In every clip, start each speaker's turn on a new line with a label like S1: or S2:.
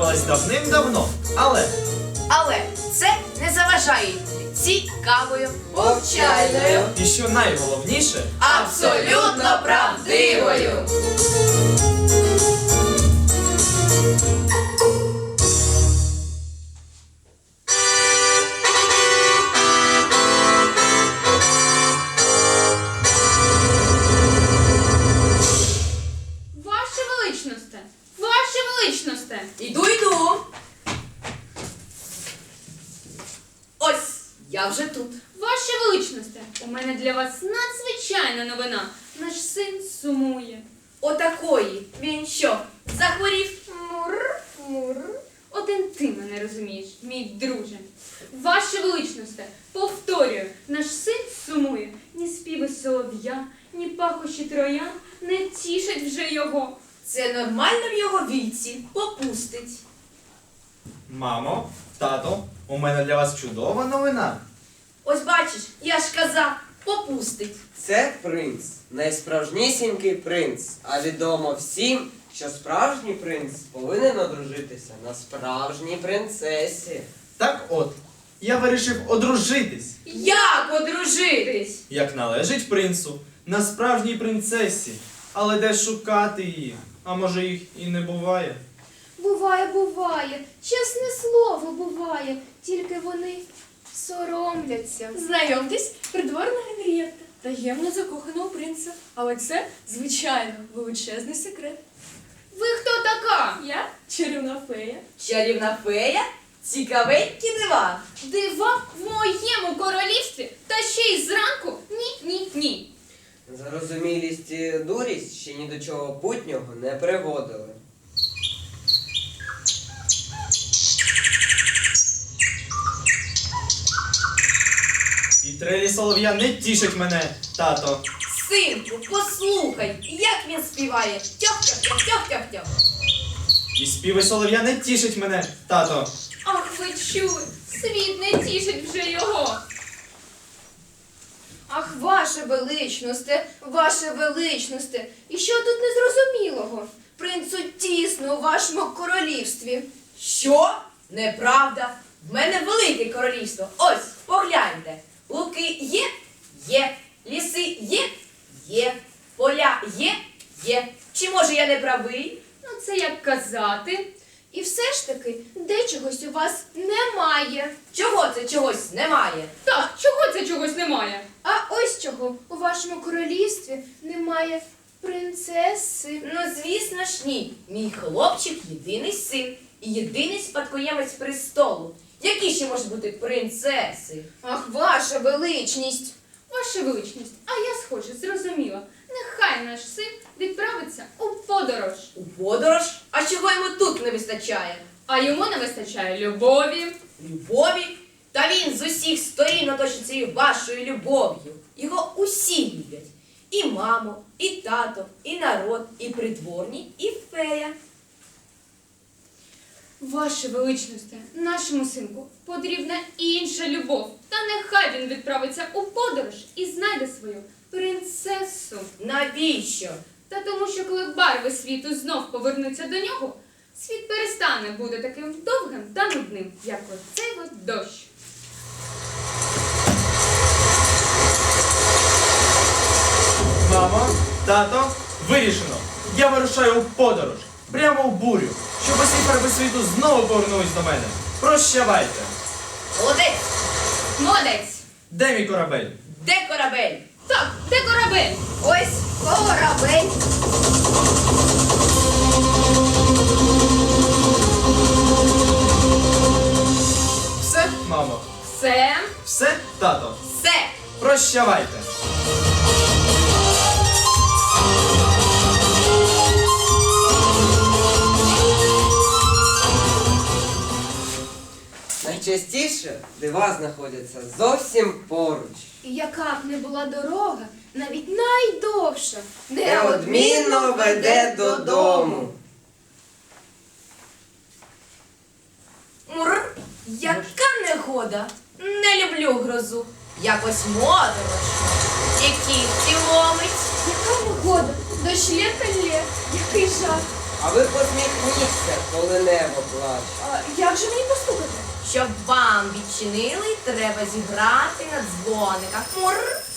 S1: сталася давним-давно.
S2: Але це не заважає їй бути цікавою,
S3: Повчальною.
S1: І що найголовніше,
S3: Абсолютно правдивою.
S4: Ваше величносте! Ваше величносте!
S2: Іду. Ось, я вже тут.
S4: Ваше величносте! У мене для вас надзвичайна новина. Наш син сумує.
S2: Отакої. Він що, захворів?
S4: Мур. Один ти мене розумієш, мій друже. Ваше величносте, повторюю, наш син сумує. Ні співи солов'я, ні пахощі троян не тішать вже його.
S2: Це нормально в його віці. Попустить.
S1: мамо, тато, у мене для вас чудова новина.
S2: Ось бачиш, я ж казав, попустить.
S3: Це принц, найсправжнісінький принц. А відомо всім, що справжній принц повинен одружитися на справжній принцесі.
S1: Так от, я вирішив одружитись,
S2: Як одружитись?
S1: як належить принцу, на справжній принцесі. Але де шукати її? А може їх і не буває?
S5: Буває. Чесне слово, буває. Тільки вони соромляться.
S6: Знайомтесь, придворна Генрієтта, таємно закохана у принца. Але це, звичайно, величезний секрет.
S4: Ви хто така?
S6: Я чарівна фея.
S2: Чарівна фея? Цікавенькі дива.
S4: Дива в моєму королівстві? Та ще й зранку? Ні.
S3: Зарозумілість і дурість ще ні до чого путнього не приводили.
S1: І трелі солов'я не тішить мене, тато.
S2: Синку, послухай, як він співає. Тьох-тьох-тьох-тьох-тьох.
S1: І співи солов'я не тішить мене, тато.
S4: Ах, ви чули, світ не тішить вже його.
S5: Ах, ваше величносте, і що тут незрозумілого? Принцу тісно у вашому королівстві.
S2: Що? Неправда. В мене велике королівство. Ось, погляньте. Луки є? Є. Ліси є? Є. Поля є? Є. Чи може я не правий?
S4: Ну це як казати.
S5: І все ж таки, дечогось у вас немає.
S2: Чого це чогось немає?
S4: Так, чого це чогось немає?
S5: А ось чого у вашому королівстві немає принцеси.
S2: Ну, звісно ж, ні. Мій хлопчик єдиний син і єдиний спадкоємець престолу. Які ще можуть бути принцеси?
S5: Ах, ваша величність.
S4: Ваша величність, а я схоже, зрозуміла. Нехай наш син відправиться у подорож.
S2: У подорож? А чого йому тут не вистачає?
S4: А йому не вистачає любові.
S2: Любові? Та він з усіх сторін оточить цією вашою любов'ю. Його усі люблять. І мамо, і тато, і народ, і придворні, і фея.
S4: Ваше величносте, нашому синку потрібна інша любов. Та нехай він відправиться у подорож і знайде свою принцесу.
S2: Навіщо?
S4: Та тому, що коли барви світу знов повернуться до нього, світ перестане бути таким довгим та нудним, як оцей от дощ.
S1: Мамо, тато, вирішено. Я вирушаю у подорож, прямо в бурю, щоб усі фарби світу знову повернулись до мене. Прощавайте.
S2: Молодець!
S4: Молодець!
S1: Де мій корабель?
S2: Де корабель?
S4: Так, де корабель?
S5: Ось корабель.
S1: Все, мамо?
S4: Все.
S1: Все, тато?
S2: Все!
S1: Прощавайте.
S3: Найчастіше дива знаходяться зовсім поруч.
S5: І яка б не була дорога, навіть найдовша,
S3: Неодмінно веде додому.
S2: Мур, яка негода! Не люблю грозу. Якось моторошно. І кігті ломить.
S5: Яка негода, дощ лє та лє, який жах.
S3: А ви посміхніться, коли небо плаче.
S6: А як же мені поступити?
S2: Щоб вам відчинили, треба зіграти на дзвониках. Мур.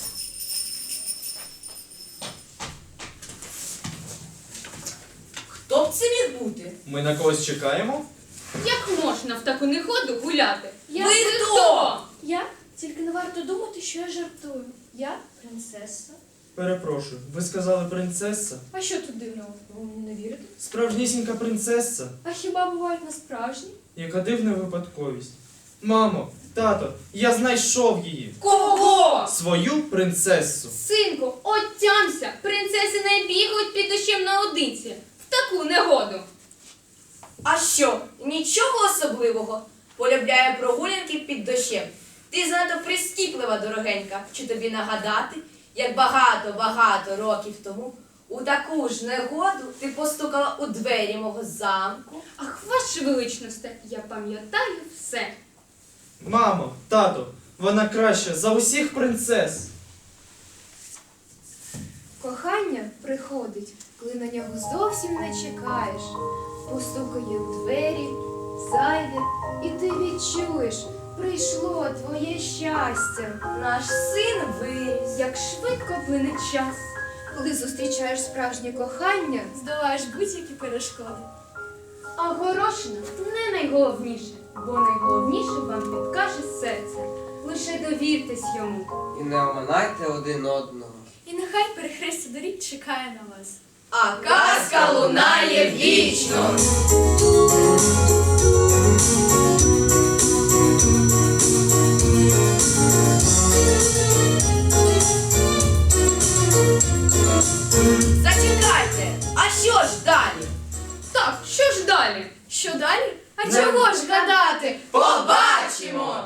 S2: Хто б це міг бути?
S1: Ми на когось чекаємо?
S4: Як можна в таку негоду гуляти?
S5: Я-
S2: Ви хто?
S5: Я? Тільки не варто думати, що я жартую. Я принцеса.
S1: Перепрошую, ви сказали принцеса?
S6: А що тут дивного? Ви мені не вірите?
S1: Справжнісінька принцеса?
S6: А хіба бувають насправжні?
S1: Яка дивна випадковість. Мамо, тато, я знайшов її.
S2: Кого?
S1: Свою принцесу.
S4: Синку, отямся! Принцеси не бігають під дощем наодинці. В таку негоду.
S2: А що? Нічого особливого. Полюбляє прогулянки під дощем. Ти занадто прискіплива, дорогенька. Чи тобі нагадати, як багато років тому у таку ж негоду ти постукала у двері мого замку?
S4: Ах, ваше величносте, я пам'ятаю все.
S1: Мамо, тато, вона краща за усіх принцес.
S5: Кохання приходить, коли на нього зовсім не чекаєш. Постукає у двері, зайде, і ти відчуєш, прийшло твоє щастя.
S2: Наш син виріс.
S4: Як швидко плине час.
S5: Коли зустрічаєш справжнє кохання,
S6: Здолаєш будь-які перешкоди.
S4: А горошина не найголовніше, бо найголовніше вам підкаже серце. Лише довіртесь йому.
S3: І не оминайте один одного.
S6: І нехай перехрестя доріг чекає на вас.
S2: А казка лунає вічно. Зачекайте, а що ж далі?
S4: Так, що ж далі?
S6: Що далі? А
S1: Не-
S6: чого ж гадати?
S2: Побачимо!